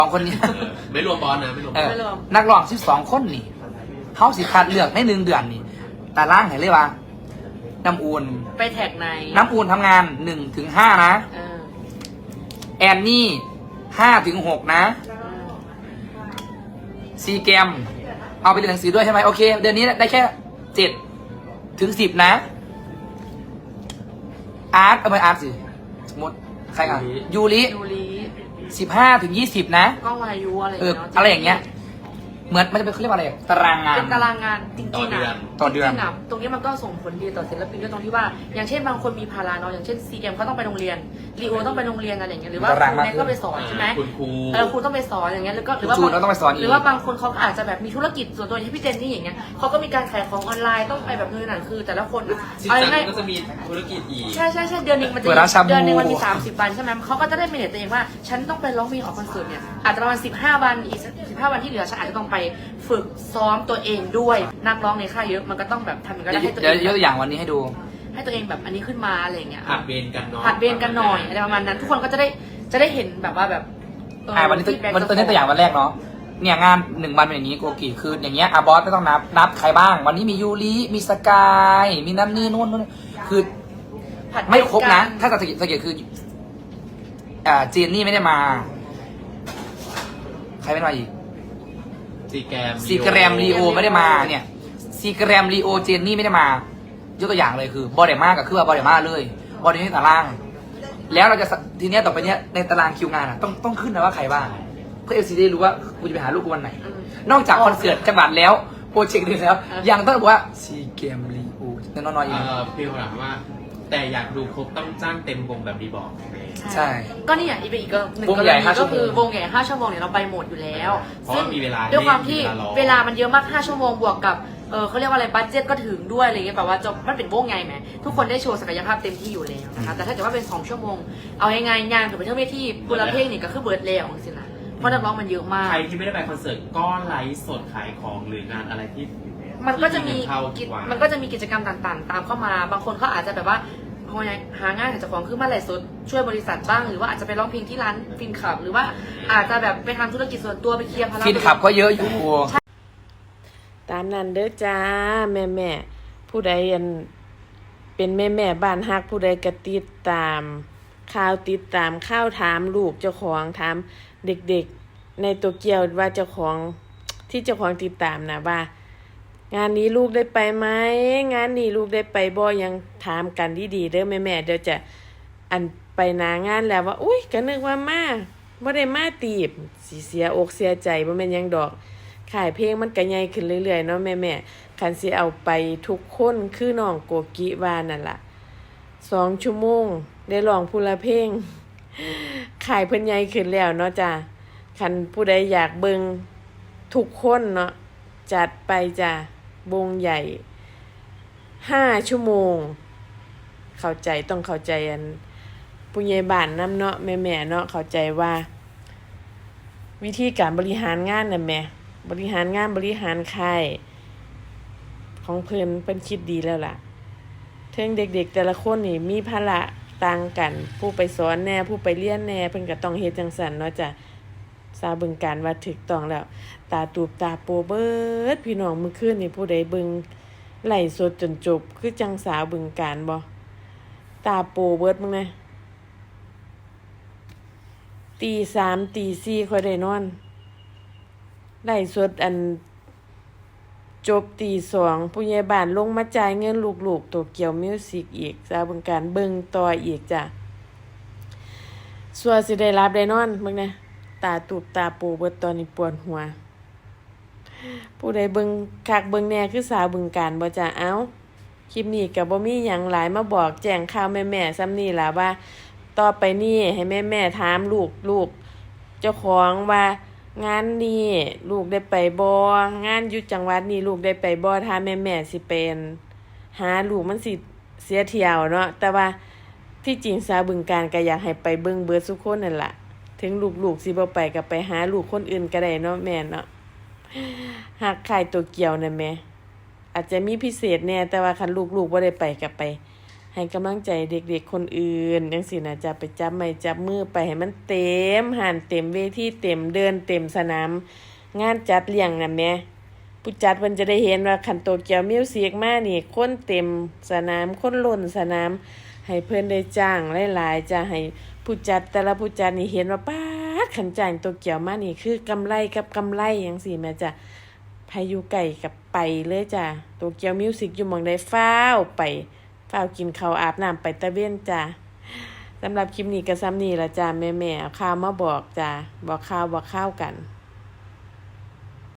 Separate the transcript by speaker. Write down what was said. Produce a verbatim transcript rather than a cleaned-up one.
Speaker 1: สองคนนี้
Speaker 2: ไม่รวมบอลนะไม่รวม
Speaker 1: นักร้องสิบสองคนนี่เขาสิคัดเลือกในหนึ่งเดือนนี่แต่ล่างเห็นเลยว่าน้ำอุ่น
Speaker 3: ไปแท็กใน
Speaker 1: น้ำอุ่นทำงานหนึ่งถึงห้านะแอนนี่ห้าถึงหกนะซีแกมเอาไปเรียนหนังสือด้วยใช่ไหมโอเคเดือนนี้ได้แค่เจ็ดถึงสิบนะอาร์ตเอาไปอาร์ตสิสมมติใครอ่ะยูริสิบห้าถึงยี่สิบนะ
Speaker 3: ก็วายุอะไร
Speaker 1: เอออะไรอย่างเงี้ยเหมือนมันจะเป็นเขาเรียกว่าอะไรตารางงาน
Speaker 3: เป็นตารางงานจริงๆนะ
Speaker 1: ต่อเดือน
Speaker 3: ตรงนี้มันก็ส่งผลดีต่อศิลปินด้วยตรงที่ว่าอย่างเช่นบางคนมีภาระเนาะอย่างเช่นซีเกมเขาต้องไปโรงเรียนรีโอต้องไปโรงเรียนอะไรอย่างเงี้ยหรือว่าครูเนี่ยก็ไปสอนใช่ไหมเออครูต้องไปสอนอย่างเงี้ยหรือก็หรือว่าหรือว่าบางคนเขาอาจจะแบบมีธุรกิจส่วนตัวอย่างพี่เจนนี่อย่างเงี้ยเขาก็มีการขายของออนไลน์ต้องไปแบบเงินหนังคือแต่ละคน
Speaker 2: อะไรง่ายก็จะมีธุรกิจอีก
Speaker 3: ใช่ใช่ใช่เดือนนึงมันจะเดือนนึงมันมีสามสิบวันใช่ไหมเขาก็จะได้เมเนจตัวเองว่าฉันต้องไปร้องเพลงออกคอนเสิร์ตเนี่ยอาจจะประมาณสิบห้าวันอีกสิบห้าวันที่เหลือฉันอาจจะต้องไปฝึกซ้อมตัวเองด้วยนักร้องในค่ายเยอะมันก็ต้องแบบทำอย่างนั้นให้ตัวเอง
Speaker 1: เดี๋ยวยกตัวอย่างวันนี้ให้ดู
Speaker 3: ให้ตัวเองแบบอันนี้ขึ้นมาอะไรเงี้ย
Speaker 2: ผัดเบนกันเนาะ
Speaker 3: ผัดเบนกันหน่อยอะไรประมาณนั้นทุกคนก็จะได้จะได้เห็นแบบว่าแบบ
Speaker 1: อ่าวันนี้วันตัวนี้ตัวอย่างวันแรกเนาะเนี่ยงานหนึ่งวันเป็นอย่างนี้โกกิคืออย่างเงี้ยอาบอสไม่ต้องนับนับใครบ้างวันนี้มียูริมีสกายมีนั่นนี่นู่นนู่นคือไม่ครบนะถ้าสังเกตสังเกตคืออ่าเจนนี่ไม่ได้มาใครไม่มาอีก
Speaker 2: ซีแกรม
Speaker 1: ซีแกรมลีโอไม่ได้มาเนี่ยซีแกรมลีโอเจนนี่ไม่ได้มายกตัวอย่างเลยคือบอดเดม่ากับคือว่าบอดเดม่าเลยบอดเดม่าตารางแล้วเราจะทีเนี้ยต่อไปเนี้ยในตารางคิวงานอ่ะต้องต้องขึ้นนะว่าใครบ้างเพื่อเอฟซีได้รู้ว่ากูจะไปหาลูกกูวันไหนนอกจากคอนเสิร์ตจังหวัดแล้วโปรเจกต์นี้แล้วยังต้องบอกว่าซีแกรมลีโอน้อยๆอีก
Speaker 2: พี่เขาถามว่าแต่อยากดูครบต้องจ้างเต็มวงแบบดีบอก
Speaker 1: ใช่
Speaker 3: ก็นี่อย่างอีกอีกหนึ่งกรณีก็คือวงใหญ่ห้าชั่วโมงเนี่ยเราไปหมดอยู่แล้ว
Speaker 2: เพราะมีเวลา
Speaker 3: ด้วยความที่เวลามันเยอะมากห้าชั่วโมงบวกกับเออเขาเรียกว่าอะไรบัดเจ็ตก็ถึงด้วยอะไรเงี้ยแบบว่าจบมันเป็นวงไงไหมทุกคนได้โชว์ศักยภาพเต็มที่อยู่แล้วนะคะแต่ถ้าเกิดว่าเป็นสองชั่วโมงเอายังไงงานถึงไปเที่ยวเวทีบุรเพลงนี่ก็คือเบิร์ดแล้วสินะเพราะนักร้องมันเยอะมาก
Speaker 2: ใครที่ไม่ได้ไปคอนเสิร์ตก็ไลฟ์สดขายของหรืองานอะไรที่
Speaker 3: มันก็จะมีมันก็จะมีกิจกรรมต่างๆตามเข้ามาบางคนเขาอาจจะแบบว่าหางานหาเจ้าของคือมาไลฟ์สดช่วยบริษัทบ้างหรือว่าอาจจะไปร้องเพลงที่ร้านฟินคลับหรือว่าอาจจะแบบไปทำธุรกิจส่วนตัวไปเคลียร์ภาระ
Speaker 1: ฟินคลับก็เยอะอยู่
Speaker 4: ตามนั้นเด้อจ้าแม่แม่ผู้ใดเป็นแม่แม่บ้านฮักผู้ใดกระติดตามข่าวติดตามข่าวถามลูกเจ้าของถามเด็กๆในโตเกียวว่าเจ้าของที่เจ้าของติดตามนะว่างานนี้ลูกได้ไปไหมงานนี้ลูกได้ไปบ่ยังถามกันดีๆเด้อแม่แม่เดี๋ยวจะอันไปนางานแล้วว่าอุ้ยก็นึกว่ามาบ่ได้มาตีบสิเสียอกเสียใจบ่แม่นยังดอกขายเพลงมันก็ใหญ่ขึ้นเรื่อยๆเนาะแม่ๆคันสิเอาไปทุกคนคือน้องโกกิว่านั่นล่ะสองชั่วโมงได้ร้องผู้ละเพลงขายเพิ่นใหญ่ขึ้นแล้วเนาะจ้ะคันผู้ใดอยากเบิ่งทุกคนเนาะจัดไปจ้ะวงใหญ่ห้าชั่วโมงเข้าใจต้องเข้าใจอันผู้ใหญ่บ้านนำเนาะแม่ๆเนาะเข้าใจว่าวิธีการบริหารงานน่ะแม่บริหารงานบริหารค่ายของเพิ่นเพิ่นคิดดีแล้วล่ะเทิงเด็กๆแต่ละคนนี่มีภาระต่างกันผู้ไปสอนแน่ผู้ไปเรียนแน่เพิ่นก็ต้องเฮ็ดจังซั่นเนาะจ้ะสาบึงการว่าถูกต้องแล้วตาตูบตาโปเบิดพี่น้องมื้อคืนนี่ผู้ใดเบิ่งไล่สดจนจบคือจังสาวบึงการบ่ตาโปเบิดมึงนะตีสามตีสี่ค่อยได้นอนไล่สดอันจบตีสองผู้ใหญ่บ้านลงมาจ่ายเงินลูกๆโตเกียวมิวสิกอีกสาวบึงการเบิ่งต่ออีกจ้ะสัวสิได้รับได้นอนมึงนะตาตูบตาโปเบิดตอนนี้ปวดหัวผู้ใดเบิ่งคักเบิ่งแน่คือสาวบึงการบ่จ้ะเอ้าคลิปนี้ก็บ่มีหยังหลายมาบอกแจ้งข่าวแม่ๆซ้ำนี่ล่ะว่าต่อไปนี้ให้แม่ๆถามลูกลูกเจ้าของว่างานนี้ลูกได้ไปบ่งานอยู่จังหวัดนี้ลูกได้ไปบ่ถ้าแม่ๆสิเป็นหาลูกมันสิเสียเที่ยวเนาะแต่ว่าที่จริงสาวบึงการก็อยากให้ไปเบิ่งเบิดทุกคนนั่นล่ะถึงลูกๆสิบ่ไปก็ไปหาลูกคนอื่นก็ได้เนาะแม่เนาะหักขายตัวเกี่ยวนะแม่อาจจะมีพิเศษแน่แต่ว่าคันลูกๆบ่ได้ไปก็ไปให้กำลังใจเด็กๆคนอื่นจังซี่นะจะไปจับไม้จับมือไปให้มันเต็มหานเต็มเวทีเต็มเดินเต็มสนามงานจัดเลี้ยงนั่นแหมผู้จัดเพิ่นจะได้เห็นว่าคันโตเกียวมิวสิกมานี่คนเต็มสนามคนล้นสนามให้เพิ่นได้จ้างหลายๆจะให้ผู้จัดแต่ละผู้จัดนี่เห็นว่าป๊าดคันจ้างโตเกียวมานี่คือกำไรกับกำไรจังซี่แม่จ้ะไผอยู่ไกลกับไปเลยจ้ะโตเกียวมิวสิกอยู่หม้องใดฟ้าวไปฟ้าวกินข้าวอาบน้ำไปตะเวนจ้ะสำหรับคลิปนี้ก็ซ้ำนี้ละจ้ะแม่ๆเอาข่าวมาบอกจ้ะบอกข่าวบอกข่าวกัน